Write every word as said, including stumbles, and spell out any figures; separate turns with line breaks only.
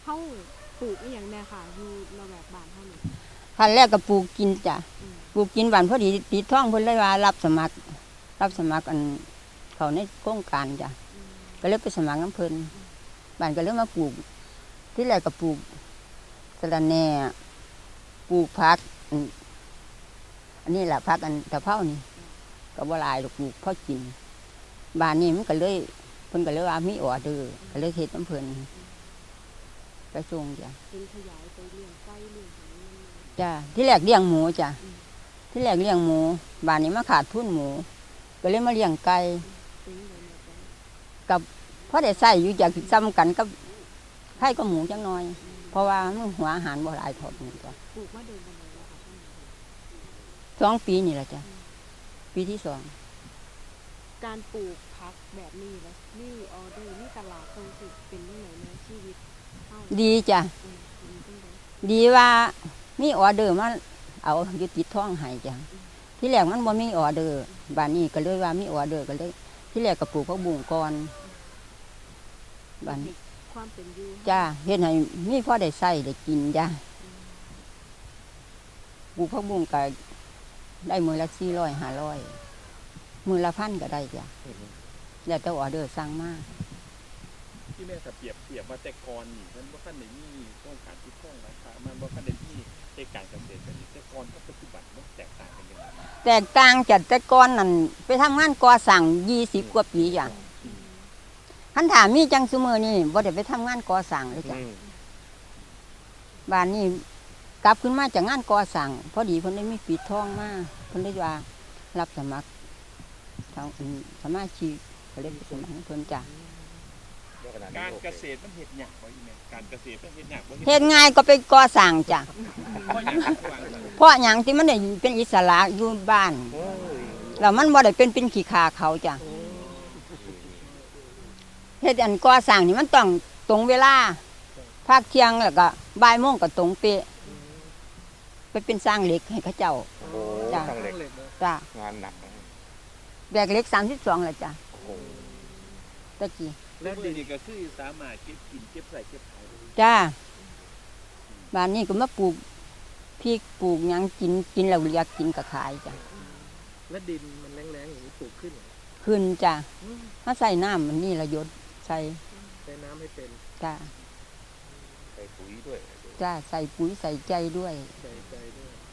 เขาปลูกอีหยังแน่ค่ะอยู่ระแวกบ้านเฮานี่
ขั้นแรกก็ปลูกกินจ้ะปลูกกินบ้านพอดีติดท้องเพิ่นเลยว่ารับสมัครรับสมัครอันเขาในโครงการจ้ะก็เลยไปสมัครน้ำเพิ่นบ้านก็เลยมาปลูกที่แรกก็ปลูกสะระแหน่ปลูกผักอันนี้แหละผักอันตะเภานี่ก็บ่หลายดอกปลูกพอกินบ้านนี้มันก็เลยเพิ่นก็เลยว่ามีออเดอร์ก็เลยเฮ็ดน้ำเพิ่นไปส่งจ้ะ
เป็นขยายไปเลี้ยงไก่เลี้ยงหยังนำ
จ้ะที่แรกเลี้ยงหมูจ้ะที่แรกเลี้ยงหมูบ้านนี้มาขาดทุนหมูก็เลยมาเลี้ยงไก่กับพอได้ใส่อยู่จากซ้ำกันกับไข่ก็หมูจังน้อยเพราะว่ามันหัวอาหารบ่หลายทอดนี่จ้ะ
ปลูกมาเดินบันไดแล้วค่ะ
สองปีนี่แหละจ้ะปีที่สอง
การปลูกผักแบบนี้แล้วนี่ออเดอร์นี่ตลาดตรงสิเป็นยังไงในชีวิตเฮา
ดีจ้ะดีว่ามีออเดอร์มาเอาอยู่ติดท้องให้จ้ะที่แรกมันบ่มีออเดอร์บ้านนี้ก็เลยว่ามีออเดอร์ก็เลยที่แรกก็ปลูกผักบุ้งก่อนบ้าน
ความเป็นอยู่
จ้ะเฮ็ดให้มีพอได้ใช้ได้กินจ้ะปลูกผักบุ้งก็ได้มื้อละสี่ร้อยห้าร้อยมื้อละพันก็ได้จ้ะแล้วแต่ออเดอร์สั่งมา
ที่แม่ถ้าเปรียบเทียบว่าแต่ก่อนนี่มันบ่ทันได้มีโครงการที่ท่องนะคะมันบ่ทันได้มีในการเกษตรแบบนี้แต่ก่อนกับปัจจุบันมันแตกต่างกันยังไง
แตกต่างจากแต่ก่อนนั่นไปทำงานก่อสร้างยี่สิบกว่าปีจ้ะคันถามมีจังซุมื้อนี่บ่ได้ไปทำงานก่อสร้างเลยจ้ะบ้านนี้กลับขึ้นมาจากงานก่อสร้างพอดีเพิ่นได้มีปิดทองมาเพิ่นได้ว่ารับสมัครทางสมาชิกก็เลยไปสมัครเพิ่นจ้ะ
การเกษตรมันเฮ็ดยากบ่อีแม่การเกษตรมันเฮ็ดยากบ่
เฮ็ดง่ายก็ไปก่อสร้างจ้ะเพราะหยังที่มันได้เป็นอิสระอยู่บ้านแล้วมันบ่ได้เป็นเป็นขี้ขาเขาจ้ะเฮ็ดอันก่อสร้างนี่มันต้องตรงเวลาภาคเที่ยงแล้วก็บ่ายโมงก็ตรงเป๊ะไปเป็นสร้างเหล็กให้เขาเจ้า
จ้ะ
จ้ะ
งานหนัก
แบกเหล็กสามสิบสองแล้วจ้ะตะกี้
แล้วดีนี่ก็คือสามารถเก็บกินเก็บใส่เก็บขาย
จ้าบ้านนี้ก็มาปลูกพริกปลูกหยังกินกินแล้วอยากกินก็ขายจ้ะ
แล้วดินมันแรงๆอย่างนี้ปลูกขึ้น
ขึ้นจ้ะถ้าใส่น้ำมันนี่ละยศใส่
ใส่น้ำให้เป็น
จ้า
ใส่ปุ๋ยด้วย
จ้าใส่ปุ๋ยใส่ใจด้วย
ใส่ใจด้วย